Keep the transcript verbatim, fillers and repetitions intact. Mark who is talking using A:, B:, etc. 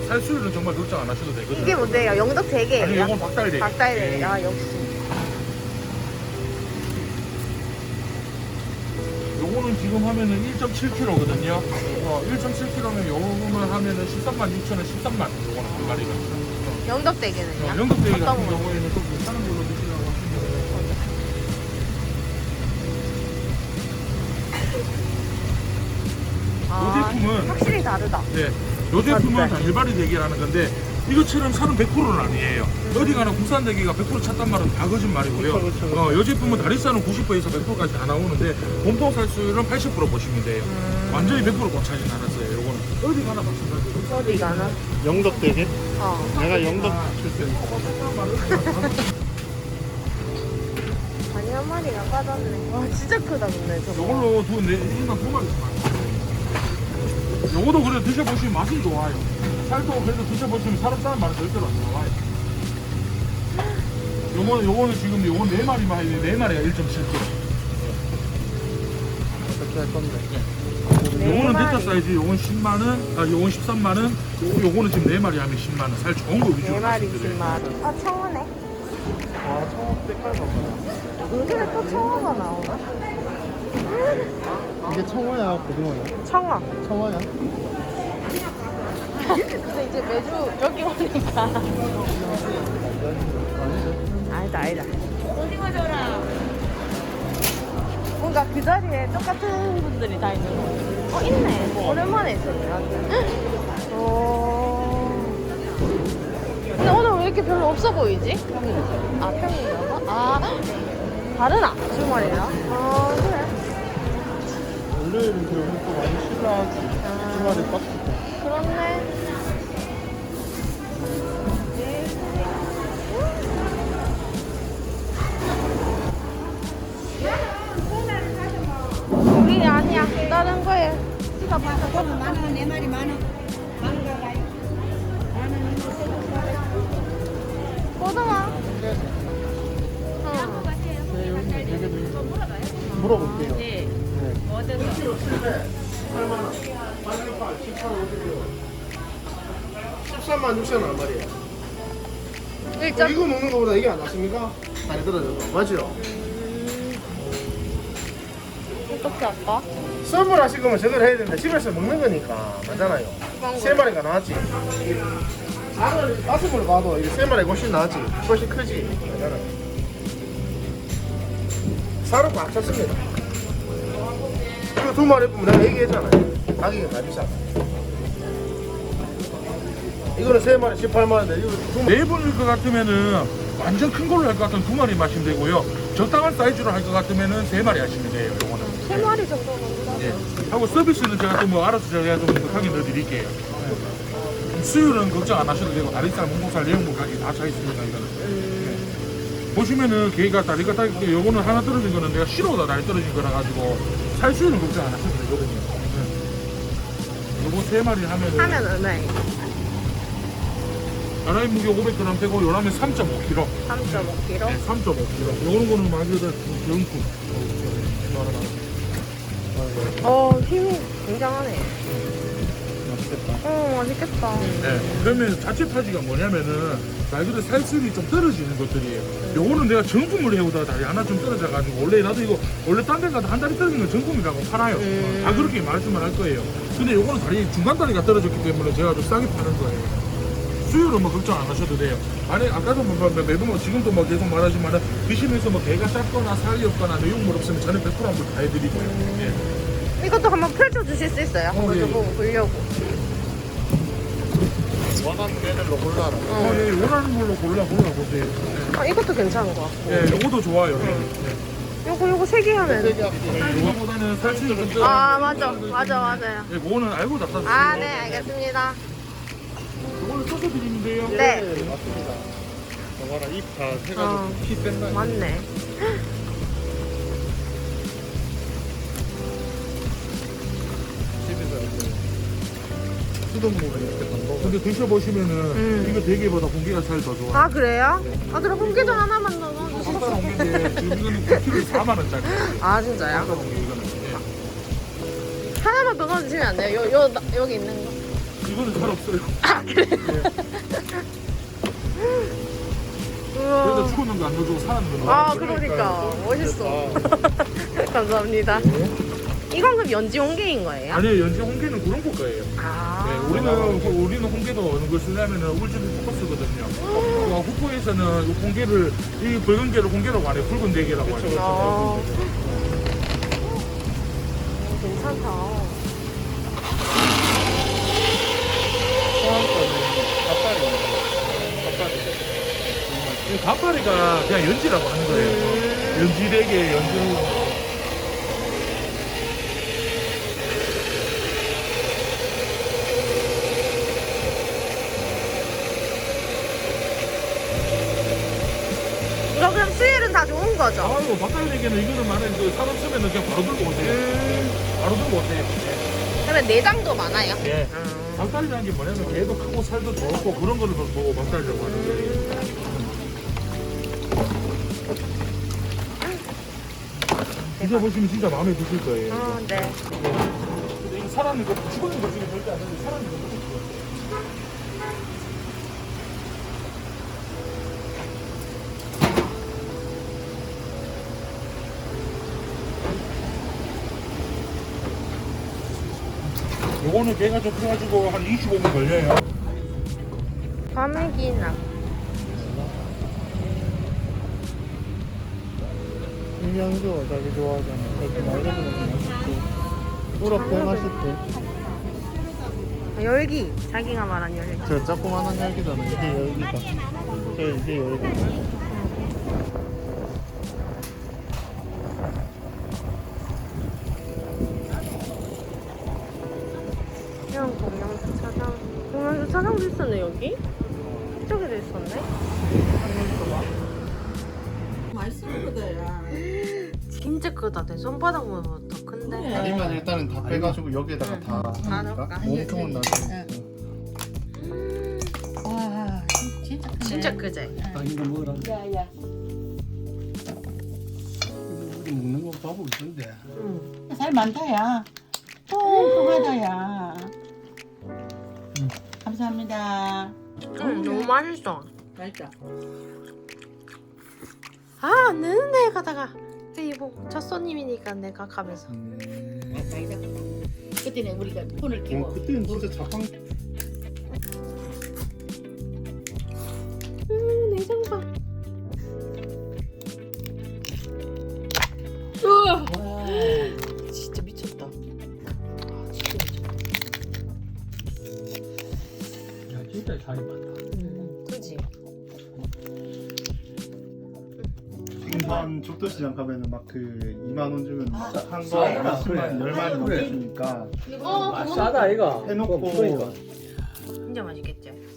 A: 살수율은 정말 걱정 안 하셔도 되거든요.
B: 이게 뭔데요? 영덕 대게예요?
A: 아니, 이건 박달대.
B: 박달대. 아, 역시.
A: 요거는 지금 하면은 일 점 칠 킬로그램거든요. 어, 일 점 칠 킬로그램면 요거만 하면은 십삼만 육천 원, 십삼만 원. 요거는 한 마리가.
B: 영덕 대게는요?
A: 어, 영덕 대게 같은
B: 어떤 거?
A: 경우에는 좀 괜찮은 걸로 드시라고 하시면
B: 아,
A: 이 제품은
B: 확실히 다르다.
A: 네. 요 제품은
B: 맞아요.
A: 다 일반이 대게라는 건데 이것처럼 살은 백 퍼센트는 아니에요.
B: 음.
A: 어디 가나 국산 대게가 백 퍼센트 찼단 말은 다 거짓말이고요.
C: 그쵸, 그쵸, 그쵸.
A: 어, 요 제품은 다리살은 구십 퍼센트에서 백 퍼센트까지 다 나오는데 몸통 살수율은 팔십 퍼센트 보시면 돼요.
B: 음.
A: 완전히 백 퍼센트 못 차진 않았어요. 요거는 어디 가나 마찬가지로.
B: 어디 가나?
C: 영덕대게?
B: 어.
C: 내가 영덕 출신.
B: 아니, 한 마리가 빠졌네. 와, 진짜 크다, 근데 저거.
A: 요걸로 두, 네, 일단 두 마리씩 많아요. 요거도 그래 드셔보시면 맛이 좋아요. 살도 그래도 드셔보시면 사람사람 말은 절대로 안 나와요. 요거는, 요거는 지금 요건 네 마리만 해요. 네 마리가 일 점 칠 킬로그램.
C: 어떻게 할 건데?
B: 네
A: 요거는
B: 마리.
A: 대타 사이즈, 요건 십만 원, 아, 요건 십삼만 원, 요, 요거는 지금 네 마리 하면 십만 원. 살 좋은 거 위주로
B: 네 마리
A: 말씀드려요.
B: 십만 원. 아, 청어네.
C: 아, 처음 색깔 봐봐.
B: 여기에 또 청어가 나오나?
C: 이게 청어야, 고등어야?
B: 청어.
C: 청어야?
B: 근데 이제 매주 여기 오니까. 아니다, 아니다. 오징어 줘라. 뭔가 그 자리에 똑같은 분들이 다 있는 거. 어, 있네. 오랜만에 있었네. 어. 근데 오늘 왜 이렇게 별로 없어 보이지? 아, 평일이라고? 아, 다르나? 주말이랑? 아, 그래.
C: 월요일은 그럼 또 많이 쉬라지. 주말에 빡치고.
B: 그렇네. 우리 아니야. 다른 거에.
D: 이거 봐서 보면 만 원, 네 마리 만 원. 만 원 가요. 만 원.
B: 고등어. 응.
C: 네, 여기 되게도 있어. 물어볼게요.
D: 네.
C: 네.
E: 십삼만 육천 원 한 마리에요.
B: 일 점.
E: 이거 먹는 거보다 이게 안 낫습니까? 다리 떨어져서. 맞죠?
B: 어떻게 할까?
E: 선물 하실 거면 저걸 해야 되는데 집에서 먹는 거니까 맞잖아요. 세 마리가 나왔지. 다른 다섯 번 봐도 이게 세 마리가 훨씬 나왔지. 훨씬 크지. 맞잖아요. 살은 꽉 찼습니다. 이거 두 마리 보면 내가 얘기했잖아요. 가격이 다 비싸. 이거는 세 마리 십팔만 원인데 이거 두 마리.
A: 네 분일 것 같으면은 완전 큰 걸로 할 것 같으면 두 마리 마시면 되고요. 적당한 사이즈로 할 것 같으면은 세 마리 하시면 돼요. 요거는.
B: 세 마리 정도는.
A: 예. 하고 서비스는 제가 또 뭐 알아서 제가 좀 하게 넣어드릴게요. 예. 수율은 걱정 안 하셔도 되고 다리살, 몸통살, 내용물 가격이 다 차 있습니다. 이거는. 예. 보시면은 개가 다리가 딱 요거는 하나 떨어진 거는 내가 실어다 다리 떨어진 거라 가지고 살 수율은 걱정 안 하셔도 되거든요. 예. 요거 세 마리 하면은
B: 하면 얼마예요?
A: 나라의 무게 오백 그램 되고 요라면 삼 점 오 킬로그램.
B: 삼 점 오 킬로그램.
A: 네, 삼 점 오 킬로그램. 요런 거는 말 그대로 명품.
B: 어, 힘이 굉장하네.
C: 맛있겠다.
B: 어, 맛있겠다.
A: 네. 그러면 자체 파지가 뭐냐면은 말 그대로 살수율이 좀 떨어지는 것들이에요. 요거는 내가 정품을 해오다가 다리 하나 좀 떨어져가지고 원래 나도 이거 원래 딴 데 가도 한 다리 떨어지는 건 정품이라고 팔아요.
B: 음.
A: 다 그렇게 말씀을 할 거예요. 근데 요거는 다리 중간 다리가 떨어졌기 때문에 제가 좀 싸게 파는 거예요. 수율은 뭐 걱정 안 하셔도 돼요. 만약 아까도 뭐 매번 뭐 지금도 뭐 계속 말하지만은 드시면서 뭐 배가 짧거나 살이 없거나 내용물 없으면 저는 백 퍼센트 한번 다 해드리고요. 예.
B: 이것도 한번 펼쳐주실 수 있어요? 한번
A: 예.
B: 좀 보고 보려고.
C: 원하는 메뉴로 골라라.
A: 어, 예, 원하는 걸로 골라 골라 보세요.
B: 아, 이것도 괜찮은 것 같고.
A: 예, 요거도 좋아요. 예.
B: 요거, 요거 세 개 하면.
C: 세개 할게.
A: 요거보다는 살수율 좀 떨어지는
B: 아, 맞아. 맞아, 맞아요.
A: 예, 그거는 알고 다 쌌어요.
B: 아, 네, 알겠습니다.
A: 이거는 써서 드리면 돼요.
B: 네.
C: 맞습니다. 봐봐라, 입 다 해가지고
B: 어.
C: 피 뺀다.
B: 맞네.
C: 집에서 이렇게 수돗물을 이렇게 담궈.
A: 근데 드셔보시면은
B: 음.
A: 이거 대게보다 공기가 살 더 좋아요.
B: 아, 그래요? 아, 그럼 홍게전 하나만 더 넣어주시면.
A: 한달 옮긴데 지금 이거는 구 킬로그램에 사만 원짜리.
B: 아, 진짜요?
A: 한달 옮긴 이거는. 예.
B: 하나만 더 넣어주시면 안 돼요? 요, 요, 나- 여기 있는 거.
A: 이거는 살 없어요.
B: 우와.
A: 그래서 죽었는 거 안 넣어주고 살았는 거.
B: 아 그러니까 멋있어. 감사합니다. 이건 그럼 연지 홍게인 거예요?
A: 아니요, 연지 홍게는 그런 거 거예요.
B: 아.
A: 네, 우리는 우리는 홍게도 어느 걸 쓰냐면은 울주리 포커스거든요. 어, 후포에서는 이 홍게를 이 붉은 게를 홍게라고 안 해요. 붉은 대게라고 하죠.
B: 아. 괜찮다.
A: 이 갓바리가 그냥 연지라고 하는 거예요. 연지 대게, 연지.
B: 이거 그럼 수율은 다 좋은 거죠?
A: 아유, 닭다리 대게는 이거는 만약에 그 사람 쓰면은 그냥 바로 들고 오세요.
B: 음.
A: 바로 들고 오세요.
B: 그러면 내장도 많아요?
A: 예.
B: 음.
A: 닭다리라는 게 뭐냐면 개도 크고 살도 좋고 그런 거를 보고 닭다리라고 하는 거예요. 드셔보시면 진짜 마음에 드실 거예요.
B: 어, 네.
A: 근데 이거 살아있는 거, 죽어있는 거 중에 절대 안 되는데 살아있는 거 먹을 수 없어요. 요거는 개가 좀 커가지고 한 이십오 분 걸려요.
B: 과메기나.
C: 김양조 자기 좋아하잖아. 그렇게 말해보는 거 맛있고. 우럭 배 맛있대.
B: 열기. 자기가 말한 열기.
C: 저 조그만한 열기잖아. 이게 열기다. 저 이게 열기.
B: 그냥 공양주차장. 공양주차장도 있었네, 여기? 이쪽에도 있었네?
D: 맛있는 거다야.
B: 진짜 크다. 내 손바닥보다 더 큰데.
C: 다리만 일단은 다 빼가지고 여기에다가 다
B: 다
C: 하니까
B: 넣을까?
C: 몸통은 나중에.
D: 와, 진짜 크네.
B: 진짜 크지?
F: 아 이거 먹으라.
D: 야야.
F: 우리 먹는 거 봐보고 있던데.
B: 응.
D: 살 많다야. 통통하다야. 감사합니다.
B: 응, 너무 맛있어.
D: 맛있다.
B: 아, 안 되는데, 가다가. 이거 첫 손님이니까 내가 가면서.
D: 그때는 우리가 폰을
C: 어,
D: 끼고.
C: 그때는 진짜 자판.
B: 음, 내장 봐.
D: 와.
B: 진짜 미쳤다. 아, 진짜 미쳤다.
F: 야 진짜 살이 많다.
B: 음, 그지?
C: 생선 죽도시장 가면은 막 그 이만 원 주면
D: 아,
C: 한거
F: 싸다.
C: 몇십만
F: 그래.
C: 열 마리
F: 그래.
C: 넘게 주니까
B: 어,
F: 아, 싸다 이거.
C: 해놓고
F: 그러니까.
B: 진짜 맛있겠지?